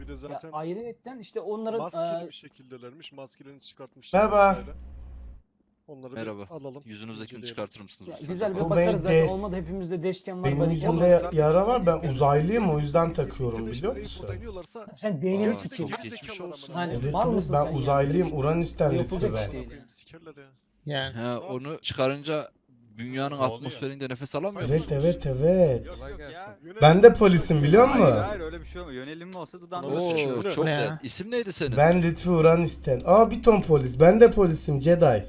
Bir de Ya zaten ayrıyetten işte onların maskeli bir şekildelermiş. Maskelerini çıkartmışlar. Merhaba. vesaire. Onları bir Merhaba. alalım. Yüzünüzdekini inceleyelim. çıkartır mısınız ya lütfen? güzel bir Bu bakarız zaten. benim de- Olmadı hepimizde deşken var. Benim barikat yüzümde var. Zaten yara var. Ben yani uzaylıyım, o yüzden internet- takıyorum, internet biliyor arayıp musun? oynıyorlarsa Sen beynini Aa, sikeyim. çok geri geçmiş zekalar olsun. amına Hani koyayım. mal Evet, mısın ben sen ya? uzaylıyım. Böyle Uranüs'ten yapılacak lütfü iş be. değil yani. Sikerler ya. Yani. He, onu çıkarınca dünyanın oluyor? atmosferinde nefes alamıyor Evet musunuz? evet evet. Yok, Kolay yok gelsin. ya. Ben de polisim, biliyor musun? Hayır hayır öyle bir şey olmuyor. Yönelim mi olsa dudağında Oo, Oo, Öyle. çok Ne güzel. ya? İsim neydi senin? Ben Lütfü Uranüs'ten. Aa, bir ton polis. Ben de polisim, Jedi.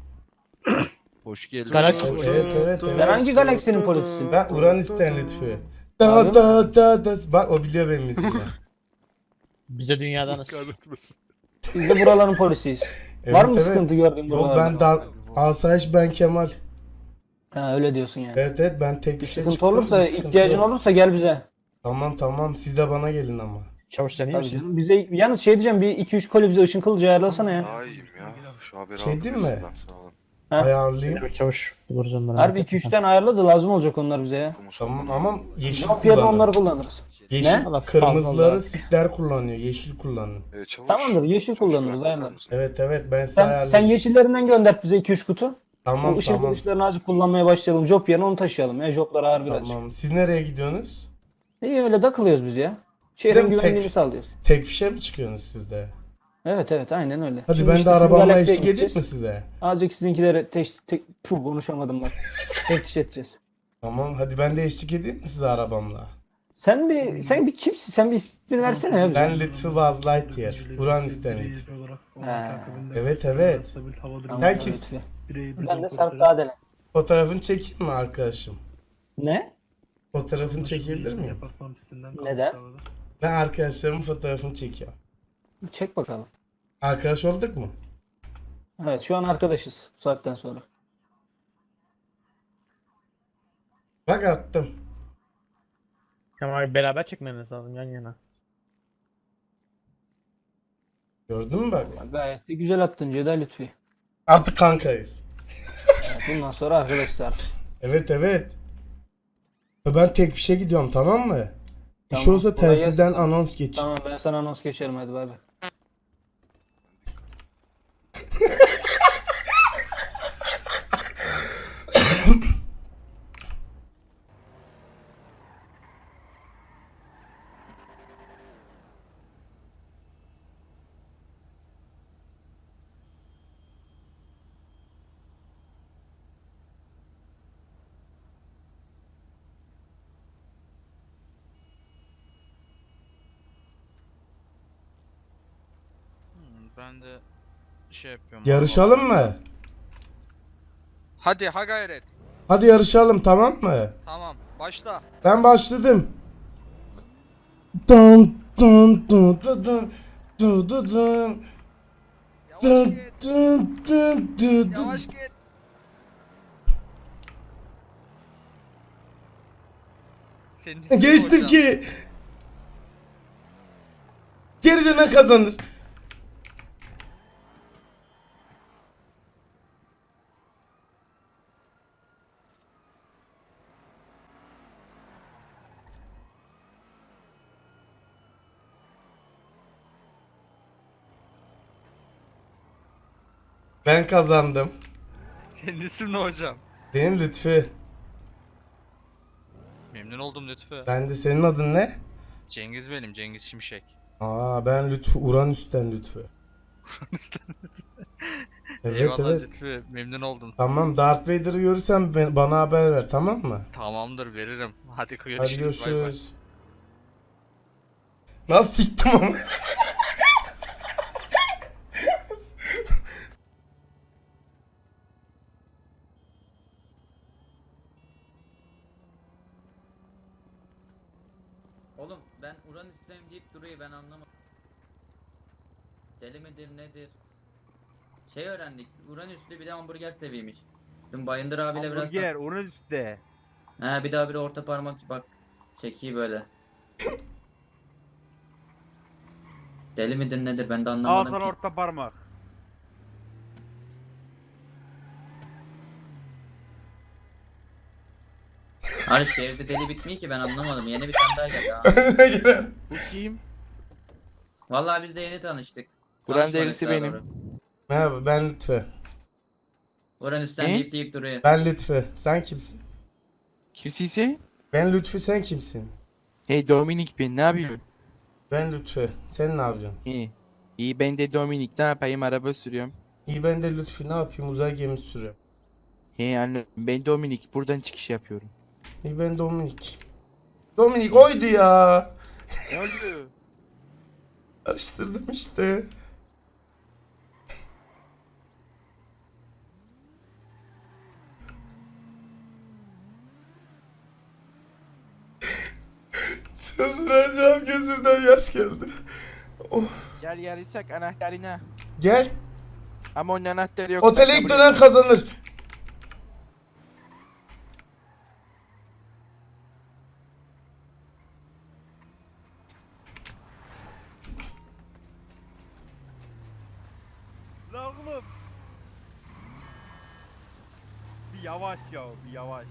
Hoş geldin. Galaksi- Evet evet evet. Sen hangi galaksinin polisisin? Ben Uranüs'ten Lütfü. Abi mi? Bak, o biliyor benim ismimi. Bize dünyadanız. Kahretmesin. Biz de buraların polisiyiz. Evet, Var mı evet. sıkıntı gördüğün Yok, buralarda? ben Asayiş, ben Kemal. Ha, öyle diyorsun yani. Evet evet, ben tek bir şey Sıkıntı çıktım. olursa, bir sıkıntı ihtiyacın yok. olursa gel bize. Tamam, siz de bana gelin ama. Çavuş sen iyi Tabii misin? canım. Bize yalnız şey diyeceğim, bir 2-3 koli bize ışın kılıcı ayarlasana ya. Daha iyiyim ya. Şu haberi Şey aldım değil mi? sizden, sağ olun. Ha? Ayarlayayım. Evet, çavuş buluruz onları. Harbi 2-3 tane ayarla da lazım olacak onlar bize ya. Tamam ama yeşil Yok yerine onları kullanın. kullanırız. Yeşil, Ne? Allah kırmızıları fazla sikler kullanıyor. Yeşil kullanın. Çavuş. Tamamdır, yeşil Çavuş, kullanırız, bakar ayarlarız. mısın? Evet ben size Sen ayarlayayım. yeşillerinden gönder bize 2-3 kutu. Tamam O ışın tamam. kılıçlarını azıcık kullanmaya başlayalım. Job yerine onu taşıyalım ya. Joblar ağır birazcık. Tamam. Siz nereye gidiyorsunuz? İyi öyle takılıyoruz biz ya. Değil Şehrin mi? güvenliğini Tek- sağlıyoruz. Tek fişe mi çıkıyorsunuz siz de? Evet aynen öyle. Hadi Şimdi ben işte de sizin arabamla galaksiye eşlik edeyim mi gideceğiz. size? Azıcık sizinkileri konuşamadım bak. Teftiş edeceğiz. Tamam, hadi ben de eşlik edeyim mi size arabamla? Sen bir kimsin? Sen bir ismini versene ya bize. Ben Lütfü Buzz Lightyear. Uranüs'ten Lütfü. Evet. Tamam, Sen evet. kimsin? Ben de Sarp Dağdelen. Fotoğrafını çekeyim mi arkadaşım? Ne? Fotoğrafını çekebilir miyim? Neden? Ben arkadaşlarımın fotoğrafını çekiyorum. Çek bakalım. Arkadaş olduk mu? Evet şu an arkadaşız bu saatten sonra. Bak, attım. Kemal beraber çekmeniz lazım yan yana. Gördün mü bak? Gayet de güzel attın Ceda Lütfi. Artık kankayız. Evet, bundan sonra arkadaşlar. Evet. Ben tek fişe gidiyorum, tamam mı? Bir şey Tamam, olsa kolay telsizden gelsin. anons geç. Tamam ben sana anons geçerim hadi bay bay. Ben de şey yapıyorum. Yarışalım mı? Hadi ha gayret. Hadi yarışalım, tamam mı? Tamam başla. Ben başladım. Dun dun dun dun dun dun dun dun Yavaş dun git. dun dun dun dun. Yavaş git. Senin ismin Geçtim hocam. ki. Geri dönen kazanır. Ben kazandım. Senin ismin ne hocam? Benim Lütfü. Memnun oldum Lütfü. Ben de, senin adın ne? Cengiz benim, Cengiz Şimşek. Aa, ben Lütfü, Uranüs'ten Lütfü. Evet Eyvallah evet. Lütfü, memnun oldum. Tamam, Darth Vader'ı görürsem bana haber ver, tamam mı? Tamamdır veririm. Hadi Hadi görüşürüz. Bay bay. görüşürüz. Nasıl siktim ama? Oğlum ben Uranüs'teyim deyip duruyor ben anlamadım. Deli midir nedir? Şey öğrendik. Uranüs'lü bir de hamburger seviymiş. Dün Bayındır abiyle biraz Hamburger Uranüs'te. He bir daha bir orta parmak bak. Çekiyi böyle. Deli midir nedir ben de anlamadım Ağzından ki. orta parmak. Hani şehirde deli bitmiyor ki ben anlamadım. Yeni bir tane daha geldi ha. Giren. Bu kim? Vallahi biz de yeni tanıştık. Buranın Tanışmadık delisi daha benim. doğru. Merhaba ben Lütfü. Uranüs'ten Ne? deyip duruyor. Ben Lütfü. Sen kimsin? Kimsin? Ben Lütfü, sen kimsin? Hey Dominik ben ne yapıyorsun? Ben Lütfü. Sen ne yapıyorsun? İyi. İyi ben de Dominik ne yapayım araba sürüyorum. İyi ben de Lütfü, ne yapayım, uzay gemisi sürüyorum. Hey anne ben Dominik buradan çıkış yapıyorum. İyi ben Dominik. Dominik oydu ya. Ne oldu? Karıştırdım işte. Çıldıracağım, gözümden yaş geldi. Oh. Gel yarışsak anahtarına. Gel. Ama onun anahtarı yok. Otele ben ilk kabul dönen etmem. kazanır. La oğlum. Bir yavaş ya, bir yavaş.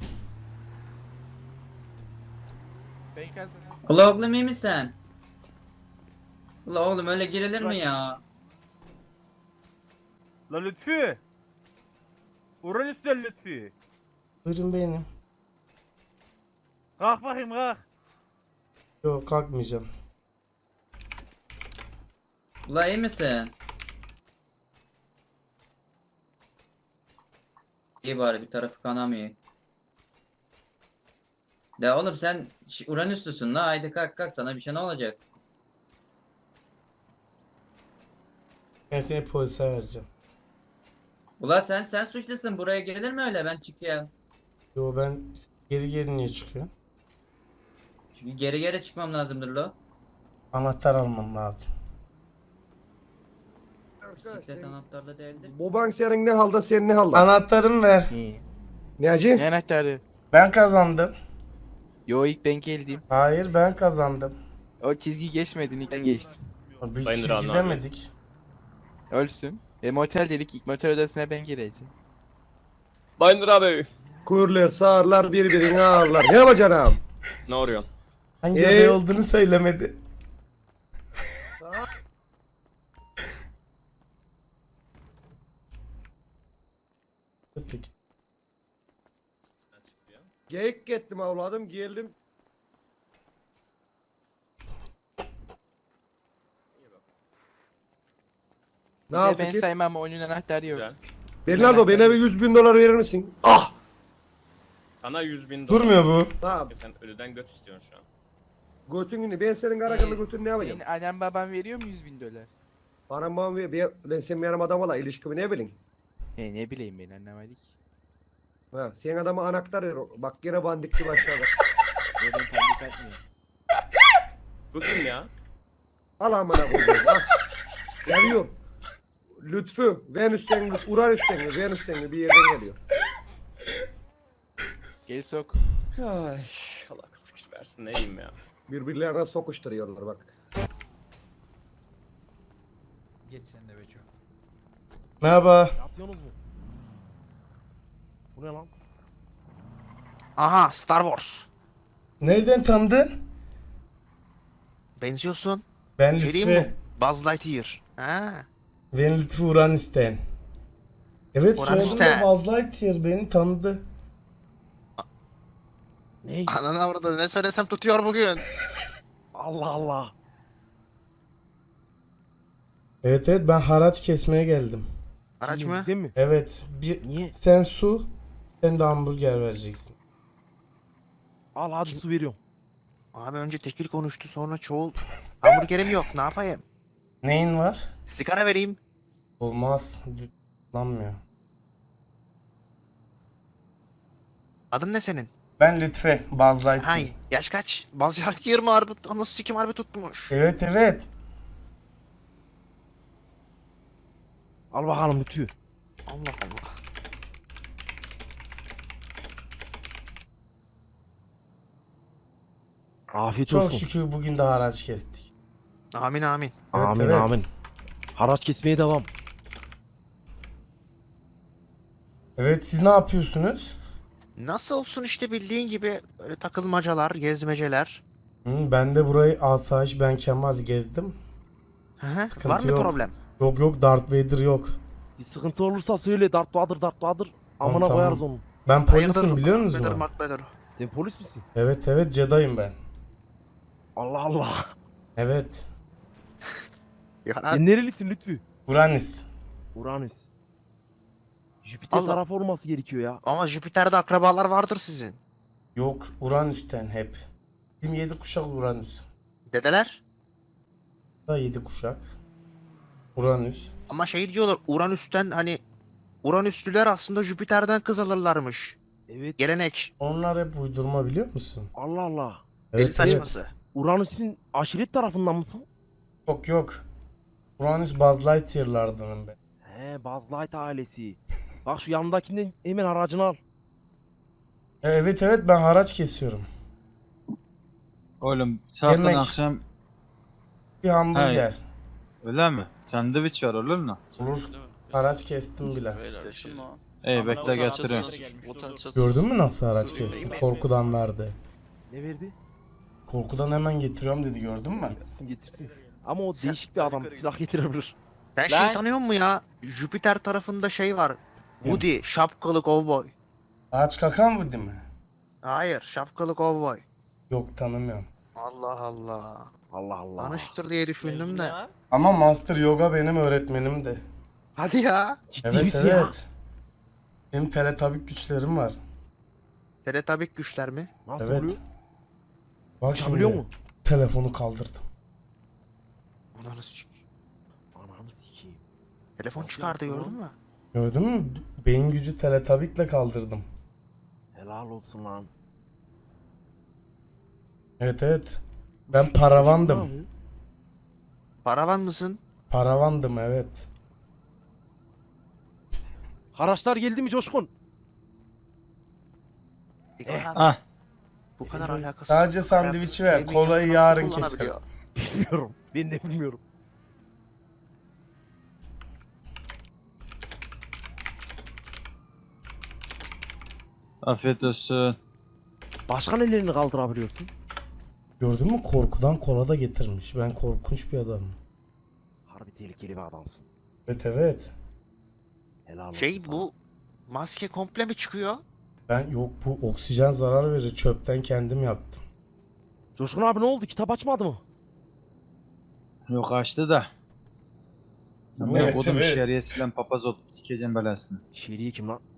Ben kazandım. Ula oğlum iyi misin? Ula oğlum öyle girilir mi ya? La Lütfü. Uranüs'ten Lütfü. Buyurun benim. Kalk bakayım kalk. Yok kalkmayacağım. Ula iyi misin? İyi bari bir tarafı kanamıyor. De oğlum sen Uranüslüsün la, haydi kalk kalk, sana bir şey ne olacak? Ben seni polise vereceğim. Ula sen suçlusun, buraya girilir mi öyle, ben çıkıyorum. Yo ben geri niye çıkıyorum? Çünkü geri geri çıkmam lazımdır lo. Anahtar almam lazım. Bisiklet anahtarlı değildir. Bu bank senin ne halda, sen ne halda? Anahtarımı ver. İyi. Ne acı? Ne anahtarı? Ben kazandım. Yo ilk ben geldim. Hayır ben kazandım. O çizgi geçmedin ilk ben geçtim. Biz Sayın çizgi Rana abi. demedik. Ölsün. Motel dedik ilk motel odasına ben gireceğim. Bayındır abi. Kuyurlar, sağırlar, birbirini ağırlar. Ne yapacaksın ağam? Ne arıyorsun? Hangi aday olduğunu söylemedi. Peki. Geyik gittim avladım, geldim. Ne Bir de ben yapayım? saymam onun anahtarı yok. Güzel. Bernardo bana bir 100.000 dolar verir misin? Ah! Sana 100.000 Durmuyor bu. Tamam. Sen ölüden göt istiyorsun şu an. Götünü, ben senin karakalı götünü ne yapacağım? Senin annem baban veriyor mu 100.000 dolar? Bana babam ver, ben sen benim adam ola, ilişkimi ne bileyim? Ne bileyim ben anlamadık. Ha, sen adama anahtar ver. Bak yine bandikçi başladı. Ben tanıdık atmıyorum. Bu kim ya? Al amına koyayım. Ah. Geliyor. Lütfü, Venüs'ten, Uranüs'ten mi, Venüs'ten mi bir yerden geliyor. Gel sok. Ay, Allah akıl fikir versin, ne diyeyim ya. Birbirlerine sokuşturuyorlar bak. Geç sen de Beço. Merhaba. Yapıyorsunuz mu? Bu ne lan? Aha Star Wars. Nereden tanıdın? Benziyorsun. Ben Şey diyeyim Lütfü. mi? Buzz Lightyear. Ha. Ben Lütfü Uranüs'ten. Evet soyadım da Uranüs'ten. Buzz Lightyear, beni tanıdı. Ne? Ananı avradı ne söylesem tutuyor bugün. Allah Allah. Evet ben haraç kesmeye geldim. Araç mı? Değil mi? Evet Niye? sen su, sen de hamburger vereceksin. Al hadi su veriyorum. Abi önce tekil konuştu sonra çoğul. Hamburgerim yok ne yapayım? Neyin var? Sigara vereyim. Olmaz. Kullanmıyor. Adın ne senin? Ben Lütfü, Buzz Lightyear. Hay yaş kaç? Buzz Lightyear mı harbi? Nasıl sikim harbi tutmuş? Evet. Al bakalım Lütfü. Allah Allah. Afiyet Çok olsun. şükür bugün de haraç kestik. Amin amin. Amin evet. amin. Haraç kesmeye devam. Evet siz ne yapıyorsunuz? Nasıl olsun işte bildiğin gibi böyle takılmacalar, gezmeceler. Ben de burayı asayiş ben Kemal gezdim. Hı hı. Sıkıntı Var mı yok. problem? Yok yok, Darth Vader yok. Bir sıkıntı olursa söyle. Darth Vader, Darth Vader. Amına Tamam. koyarız onu. Ben polisim biliyor Vader, musun? Mark Vader. Sen polis misin? Evet evet, Jedi'yim ben. Allah Allah. Evet. Ya, Sen nerelisin Lütfü? Uranüs. Uranüs. Jüpiter Allah. tarafı olması gerekiyor ya. ama Jüpiter'de akrabalar vardır sizin. Yok, Uranüs'ten hep. Bizim 7 kuşak Uranüs. Dedeler. Da 7 kuşak. Uranüs. Ama şey diyorlar Uranüs'ten hani Uranüslüler aslında Jüpiter'den kız alırlarmış. Evet. Gelenek. Onlar hep uydurma biliyor musun? Allah Allah. Deli Evet evet. saçması. Uranüs'ün aşiret tarafından mısın? Yok yok. Uranüs Buzz Lightyear'lardanım ben. He, Buzz Light ailesi. Bak şu yanındakinden hemen aracını al. Evet evet, ben haraç kesiyorum. Oğlum zaten Yemek. akşam Bir hamburger. öyle mi? Sandviç var olur mu? Olur. Haraç kestim bile. İyi bekle getiriyorum. Gördün mü nasıl haraç kestim? Korkudan verdi. Ne verdi? Korkudan hemen getiriyorum dedi, gördün mü? Getirsin getirsin. Ama o değişik bir adam. Silah getirebilir. Sen Lan. şey tanıyor musun ya? Jüpiter tarafında şey var. Woody, şapkalı kovboy. Ağaç kakan bu değil mi? Hayır, şapkalı kovboy. Yok, tanımıyorum. Allah Allah. Allah Allah. Tanıştır diye düşündüm de. Ama Master Yoga benim öğretmenimdi. Hadi ya. Ciddi Evet misin ya? evet. Benim teletabik güçlerim var. Teletabik güçler mi? Nasıl Evet. oluyor? Bak şimdi. Uçabiliyor mu? Telefonu kaldırdım. Ananı sikeyim. Ananı sikeyim. Telefon Nasıl çıkardı yaptın gördün mü? Gördün mü? Beyin gücü teletabikle kaldırdım. Helal olsun lan. Evet evet. Ben paravandım. Abi, Paravan mısın? Paravandım evet. Haraçlar geldi mi Coşkun? Ah. Bu kadar alakasız. Sadece sandviçi ver, Yemek kolayı yapıp yarın kullanabiliyor. Bilmiyorum. Ben de bilmiyorum. Afiyet olsun. Başka nelerini kaldırabiliyorsun? Gördün mü, korkudan kola da getirmiş. Ben korkunç bir adamım. Harbi tehlikeli bir adamsın. Evet evet. Helal olsun Şey sana. bu maske komple mi çıkıyor? Ben yok, bu oksijen zarar verir. Çöpten kendim yaptım. Coşkun abi ne oldu? Kitap açmadı mı? Yok açtı da. Ama Evet, kodum evet. şeriyesiyle papaz olup sikeceğim belasını. Şeriye kim lan?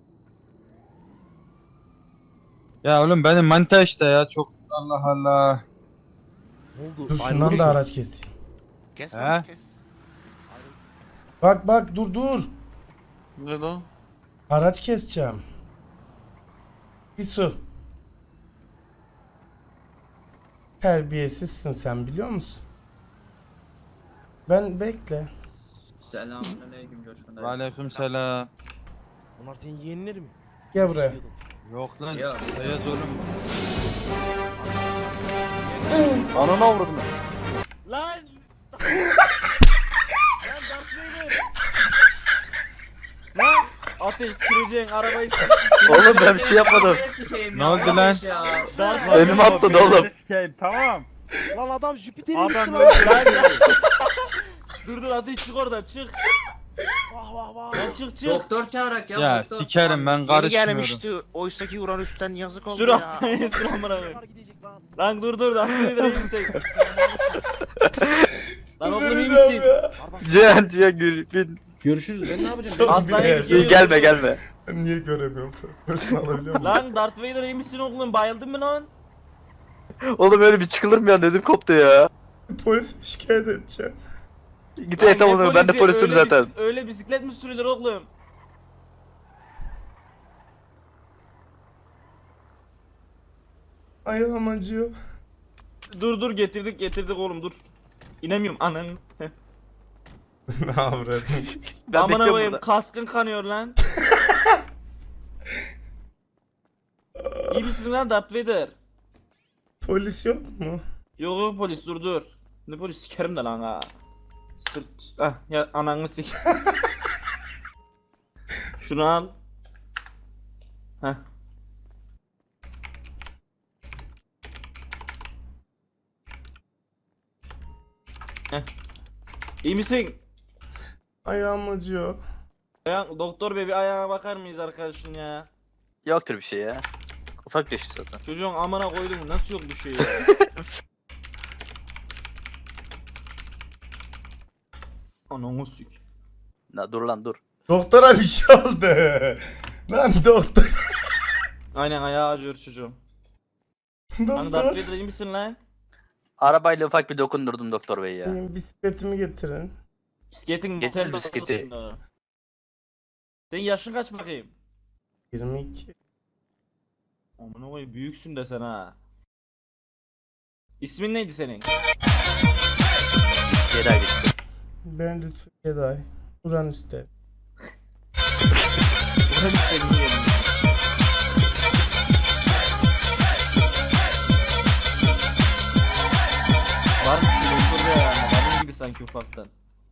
Ya oğlum benim manita işte ya çok Allah Allah. Ne oldu? Dur Ayrılmış şundan da mı? araç keseyim. Kes He? bak kes. Bak bak, dur dur. Ne lan? Araç keseceğim. Bir su. Terbiyesizsin sen, biliyor musun? Ben bekle. Selamünaleyküm Coşkun dayı. Aleyküm selam. Bunlar senin yeğenleri mi? Gel buraya. Yok lan. Yok. Beyaz oğlum. Ananı avradım. Lan! Lan Darth Vader! Lan! Ateş süreceksin arabayı Oğlum ben bir şey yapmadım. Ne oldu lan? Darth Önüme atladı oğlum. Tamam. Lan adam Jüpiter'e gitti Adam lan. öldü lan. Dur dur ateş çık oradan çık. Vah vah vah. Lan çık çık. Doktor çağırak ya. Ya doktor. sikerim ben Yeni karışmıyorum. gelmişti. Oysaki Uranüs'ten yazık oldu Sür ya. hastaneye sür amına koyayım. Bunlar gidecek lan. Lan dur dur Darth Vader'a iyi misin? Lan oğlum iyi Delireceğim misin? ya. Cihan Gülbin. Görüşürüz. Ben ne yapacağım? Çok Hastaneye güzel. gidiyor. Gelme gelme. Ben niye göremiyorum? First alabiliyor muyum? Lan Darth Vader iyi misin oğlum? Bayıldın mı lan? Oğlum öyle bir çıkılır mı ya, dedim koptu ya. Polise şikayet edeceğim. Git Lan et ne onu, ben de polisi? polisim Öyle zaten. Öyle bisiklet mi sürülür oğlum? Ayağım acıyor. Dur dur getirdik oğlum dur. İnemiyorum ananı. Ne avradın? Ben Amına bekliyorum koyayım burada. kaskın kanıyor lan. İyi misin lan Darth Vader? Polis yok mu? Yok yok polis dur dur. Ne polis sikerim de lan ha. Sırt. Ah ya ananı sik. Şunu al. Heh. Heh. İyi misin? Ayağım acıyor. Doktor bey bir ayağına bakar mıyız arkadaşın ya? Yoktur bir şey ya. Ufak düştü zaten. Çocuğun amına koydum nasıl yok bir şey ya? Ananı sük. Dur lan dur. Doktora bir şey oldu. Lan doktor. Aynen ayağı acıyor çocuğum. Hani Doktor. Darth Vader iyi misin lan? Arabayla ufak bir dokundurdum doktor bey ya. Benim bisikletimi getirin. Bisikletin Getir motel bisikleti. odasında. Senin yaşın kaç bakayım? 22. Amına koyayım büyüksün de sen ha. İsmin neydi senin? Geri gitti. Ben Lütfü Geday. Uranüs'te. Ulan istedim yerim. Var mı bir doktor ya? Benim gibi sanki ufaktan.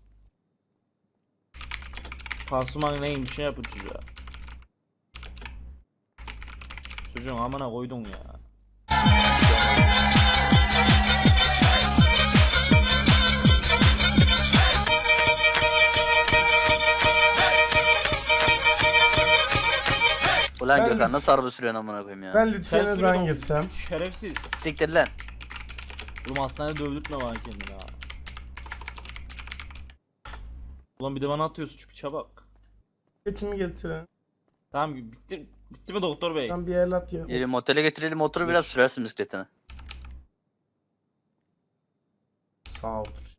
Pansuman neyim bir şey yapın çocuğa. Çocuğun amına koydun ya. Ulan Ben Gökhan Lütfü- nasıl araba sürüyorsun amına koyayım ya. Ben Lütfü'ye ne Sen zaman sürüyorsun. girsem? Şerefsiz. Siktir lan. Oğlum hastanede dövdürtme bana kendini ha. Ulan bir de bana atıyorsun çünkü çabuk. Bisikletimi getirin. Tamam bitti mi doktor bey? Ben bir el at ya. Geri motele götürelim motoru biraz sürersin bisikletini. Sağ otur.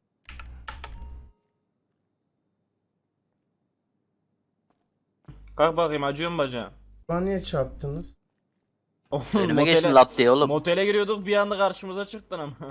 Kalk bakayım acıyor mu bacağın? Bana niye çarptınız? Oğlum Önüme geçtin lat diye oğlum. Motele giriyorduk bir anda karşımıza çıktın ama.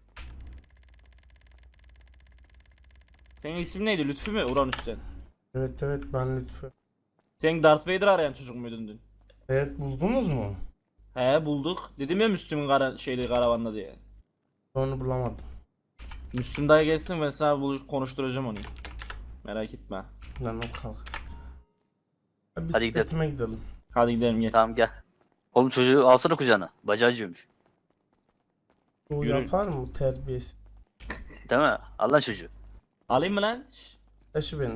Senin ismin neydi? Lütfü mü? Uranüs'ten. Evet evet ben Lütfü. Sen Darth Vader arayan çocuk muydun dün? Evet buldunuz mu? He bulduk. Dedim ya Müslüm'ün karavanla diye. Onu bulamadım. Müslüm dayı gelsin ben sana konuşturacağım onu. Merak etme. Lan nasıl kalk? Bisikletime gidelim. Hadi gidelim gel. Tamam gel. Oğlum çocuğu alsana kucağına. Bacağı acıyormuş. Bu Yürü. yapar mı bu terbiyesi? Değil mi? Al lan çocuğu. Alayım mı lan? Şşş. Taşı beni.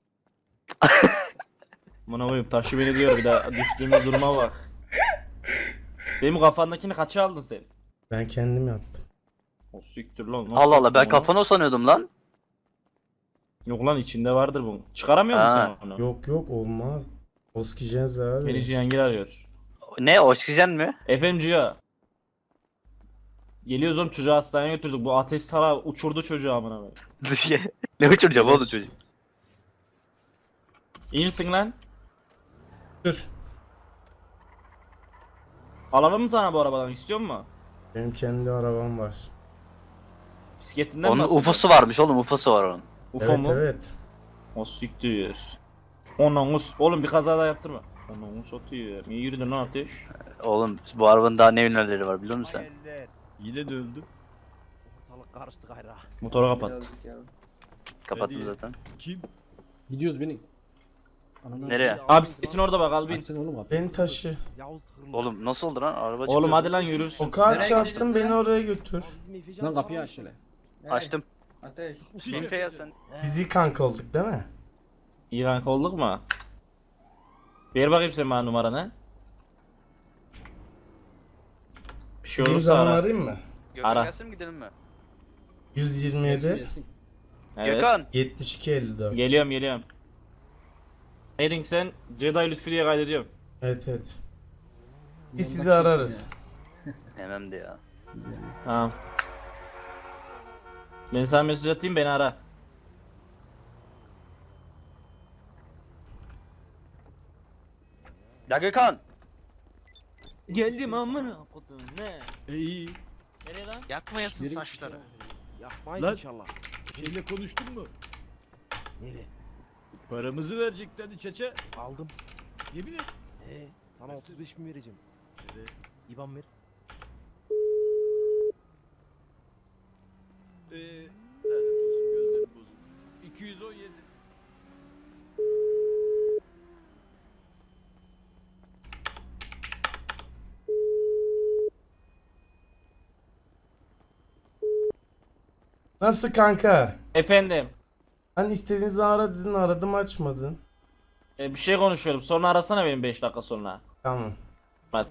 Buna koyayım taşı beni diyor bir daha düştüğümüz duruma bak. Benim kafandakini kaça aldın sen? Ben kendim yaptım. O siktir lan. nasıl Allah Allah ben yaptın onu? kafanı sanıyordum lan. Yok lan içinde vardır bu. Çıkaramıyor Ha. musun sen onu? Yok yok olmaz. Oksijen zarar Beni verir. Cihangir arıyor. Ne oksijen mi? Efendim Ciha. Geliyoruz oğlum çocuğu hastaneye götürdük. Bu ateş sara uçurdu çocuğu amına koyayım. Ne uçuracağım oğlum çocuğu? İyi misin lan? Dur. Alalım mı sana bu arabadan istiyor musun? Benim kendi arabam var. Bisikletinden mi Onun bahsediyorsun? ufosu varmış oğlum ufosu var onun. UFO Evet mu? evet. O siktir. Oğlum bir kaza daha yaptırma. Onu satıyor. İyi yürüdün lan ateş. Oğlum bu arabanın daha ne ünlüleri var biliyor musun sen? Yine de öldüm. Ortalık karıştı gayra. Motoru kapat. Kapattım zaten. Gidiyoruz benim. Nereye? Abi bisikletin orada bak al bin. Sen oğlum abi. Beni taşı. Yavuz hırlı. Oğlum nasıl oldu lan? Araba Oğlum çıkıyordu. hadi lan yürürsün. O kadar Nereye çarptın gidiyorsun beni lan? oraya götür. Lan kapıyı aç hele. Açtım. Ateş. Binfe ya sen. Biz iyi kanka olduk değil mi? İyi kanka olduk mu? Ver bakayım sen bana numaranı. Bir şey Gideyim olursa zaman ara. arayayım mı? Gökhan Ara. gelsin mi gidelim mi? 127 Evet. Gökhan. 72 54. Geliyorum. Neydin sen? Jedi Lütfü diye kaydediyorum. Evet evet. Biz sizi ararız. Hemen de ya. Tamam. Ben sana mesaj atayım beni ara. Ya Gökhan. Geldim amına kodum ne? İyi. Nereye lan? Yakmayasın saçları. Yapmayız Lan. inşallah. Şeyle konuştun mu? Nereye? Paramızı vereceklerdi çeçe. Aldım. Yemin et. Sana 35 bin vereceğim. İban ver. Lanet olsun gözlerim bozuldu. 217. Nasıl kanka? Efendim. Hani istediğinizi ara dedin, aradım açmadın. Bir şey konuşuyorum. Sonra arasana beni 5 dakika sonra. Tamam. Hadi.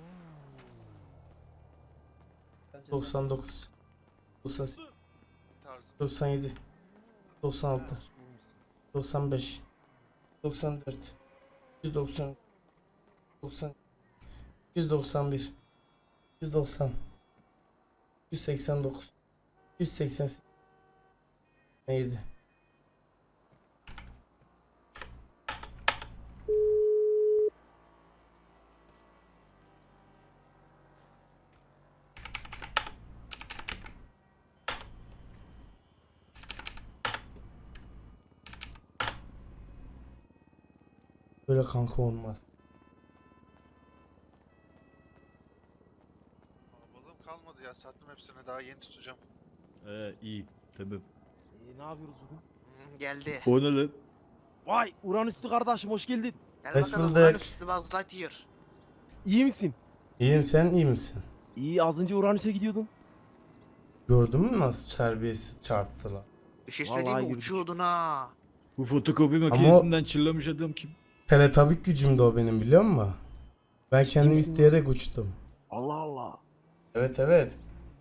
99 98 97 96 95 94 190 90 191 190 189 188 neydi? Böyle kanka olmaz. Balığım kalmadı ya. Sattım hepsini. Daha yeni tutacağım. iyi. Tamam. Ne yapıyoruz bugün? Geldi. O ne lan? Vay Uranüs'lü kardeşim hoş geldin. Gel Hoş bakalım bulduk. Uranüs Buzz Lightyear. İyi misin? İyiyim, sen iyi misin? İyi az önce Uranüs'e gidiyordum. Gördün mü nasıl terbiyesiz çarptılar? Bir şey Vallahi söyleyeyim mi? yürüdük. Uçuyordun ha. Bu fotokopi makinesinden çırlamış adam kim? Teletabik gücümde o benim, biliyor musun? Ben kendim misin isteyerek uçtum. Allah Allah. Evet evet.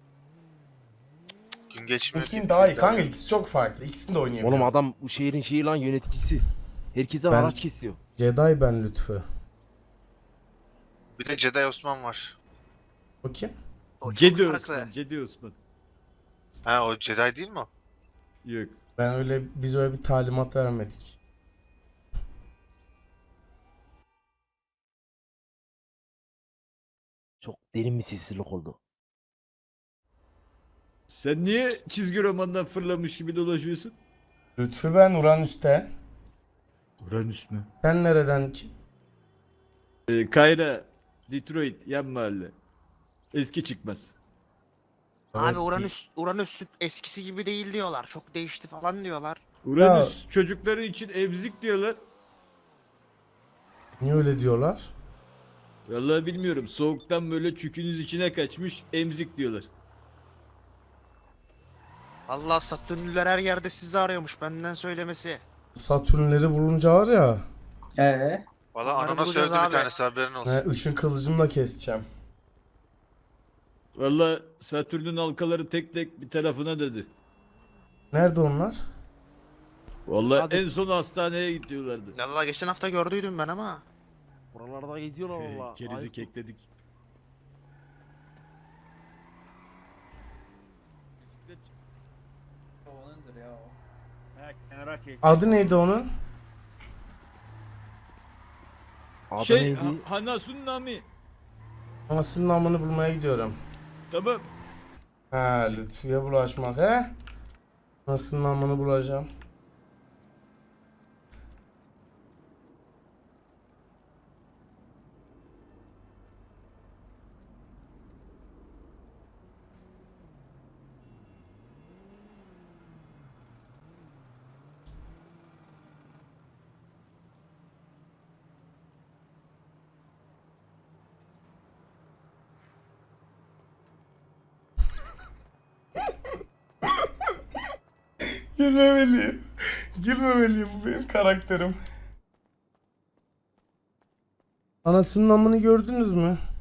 Gün geçmiyor. İkisinin daha iyi kanka, ikisi çok farklı. İkisini de oynayabiliyorum. Oğlum adam bu şehrin şeyi lan yöneticisi. Herkese Ben- araç kesiyor. Jedi ben Lütfü. Bir de Jedi Osman var. O kim? O çok farklı. Cedi Osman. Ha o Jedi değil mi o? Yok. Biz öyle bir talimat vermedik. Çok derin bir sessizlik oldu. Sen niye çizgi romandan fırlamış gibi dolaşıyorsun? Lütfü ben Uranüs'ten. Uranüs mü? Sen nereden ki? Kayra, Detroit, yan mahalle. Eski çıkmaz. Abi Evet, Uranüs eskisi gibi değil diyorlar. Çok değişti falan diyorlar. Uranüs çocukları için emzik diyorlar. Niye öyle diyorlar? Vallahi bilmiyorum. Soğuktan böyle çükünüz içine kaçmış emzik diyorlar. Allah Satürnlüler her yerde sizi arıyormuş benden söylemesi. Satürnleri bulunca var ya. Valla Onları ananas bulacağız öldü bir abi. tanesi haberin olsun. Işın kılıcımla keseceğim. Vallahi Satürn'ün halkaları tek tek bir tarafına dedi. Nerede onlar? Vallahi Hadi. en son hastaneye gidiyorlardı. Vallahi geçen hafta gördüydüm ben ama. Buralarda geziyorlar valla. Kerizi Ayıp. kekledik. Adı neydi onun? Adı neydi? Hanasun Nami. Anasının namını bulmaya gidiyorum. Tamam. Ha, Lütfü'ye bulaşmak he? Anasının namını bulacağım. Gülmemeliyim. Gülmemeliyim, bu benim karakterim. Anasının namını gördünüz mü?